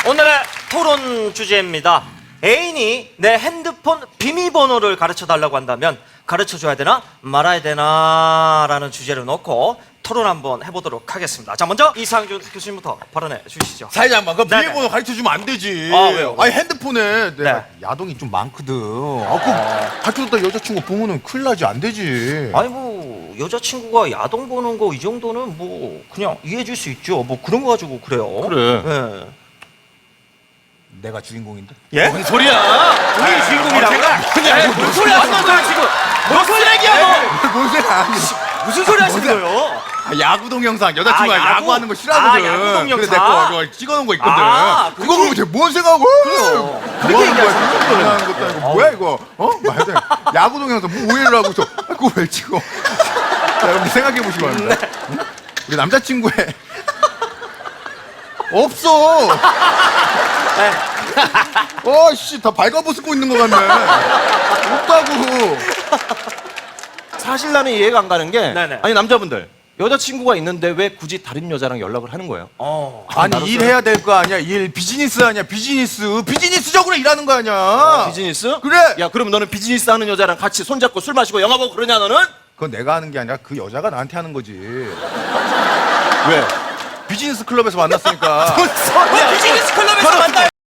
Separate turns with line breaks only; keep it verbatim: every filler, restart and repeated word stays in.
오늘의 토론 주제입니다. 애인이 내 핸드폰 비밀번호를 가르쳐 달라고 한다면 가르쳐 줘야 되나 말아야 되나 라는 주제를 놓고 토론 한번 해보도록 하겠습니다. 자, 먼저 이상준 교수님부터 발언해 주시죠.
사회자만 그
네네.
비밀번호 가르쳐주면 안 되지.
아, 왜요?
아니 핸드폰에 내가
네.
야동이 좀 많거든. 아, 그 가르쳐줬다 여자친구 보면은 큰일 나지, 안 되지.
아니 뭐 여자친구가 야동 보는 거 이 정도는 뭐 그냥 이해해 줄 수 있죠. 뭐 그런 거 가지고 그래요.
그래.
예.
내가 주인공인데?
예?
뭔 소리야?
본인이 주인공이라고?
제가
에이, 무슨 소리 하시는 거야 지금? 너 쓰레기야 너!
뭔 소리 아니?
무슨 소리 하시는 거예요?
아, 야구 동영상 여자친구가
아, 야구?
야구하는 거 싫어하거든.
아, 야구 동영상.
근데 내거 이거 찍어놓은 거 있거든.
아,
그거 보면 쟤뭔 생각하고?
그래요. 그렇게
뭐 하는 거야?
얘기하시는
지금 하는 것도 아니고 뭐야 이거? 어? 말도 안 돼. 야구 동영상 뭐 오해를 하고 있어? 아, 그거 왜 찍어? 자, 여러분 생각해 보시기 바랍니다. 응? 우리 남자친구의 없어.
네.
어씨 다 발가벗고 있는 것 같네. 없다고.
사실 나는 이해가 안 가는 게
네네.
아니 남자분들 여자친구가 있는데 왜 굳이 다른 여자랑 연락을 하는 거예요?
어.
아니
나로서는-
일해야 될 거 아니야. 일 비즈니스 아니야. 비즈니스 비즈니스적으로 일하는 거 아니야.
비즈니스?
그래.
야 그럼 너는 비즈니스 하는 여자랑 같이 손잡고 술 마시고 영화 보고 그러냐 너는?
그건 내가 하는 게 아니라 그 여자가 나한테 하는 거지.
왜?
비즈니스 클럽에서 만났으니까.
야, 비즈니스 클럽에서 만나